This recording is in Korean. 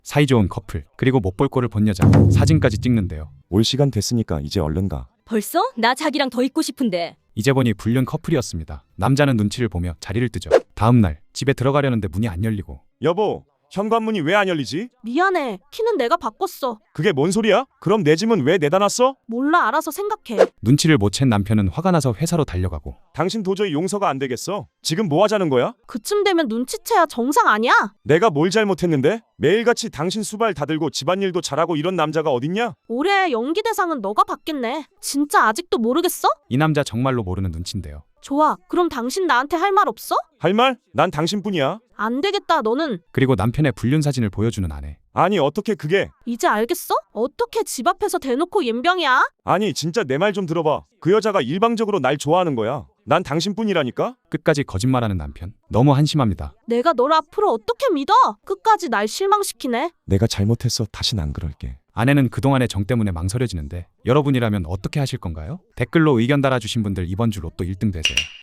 사이좋은 커플, 그리고 못 볼 꼴을 본 여자, 사진까지 찍는데요. 올 시간 됐으니까 이제 얼른 가. 벌써? 나 자기랑 더 있고 싶은데. 이제 보니 불륜 커플이었습니다. 남자는 눈치를 보며 자리를 뜨죠. 다음 날 집에 들어가려는데 문이 안 열리고 여보, 현관문이 왜 안 열리지? 미안해. 키는 내가 바꿨어. 그게 뭔 소리야? 그럼 내 짐은 왜 내다 놨어? 몰라, 알아서 생각해. 눈치를 못 챈 남편은 화가 나서 회사로 달려가고 당신 도저히 용서가 안 되겠어. 지금 뭐 하자는 거야? 그쯤 되면 눈치채야 정상 아니야? 내가 뭘 잘못했는데? 매일같이 당신 수발 다 들고 집안일도 잘하고 이런 남자가 어딨냐? 올해 연기 대상은 너가 받겠네. 진짜 아직도 모르겠어? 이 남자 정말로 모르는 눈치인데요. 좋아. 그럼 당신 나한테 할 말 없어? 할 말? 난 당신뿐이야. 안 되겠다, 너는. 그리고 남편의 불륜 사진을 보여주는 아내. 아니 어떻게 그게? 이제 알겠어? 어떻게 집 앞에서 대놓고 옌병이야? 아니 진짜 내 말 좀 들어봐. 그 여자가 일방적으로 날 좋아하는 거야. 난 당신뿐이라니까? 끝까지 거짓말하는 남편. 너무 한심합니다. 내가 널 앞으로 어떻게 믿어? 끝까지 날 실망시키네. 내가 잘못했어. 다신 안 그럴게. 아내는 그동안의 정 때문에 망설여지는데 여러분이라면 어떻게 하실 건가요? 댓글로 의견 달아주신 분들 이번 주 로또 1등 되세요.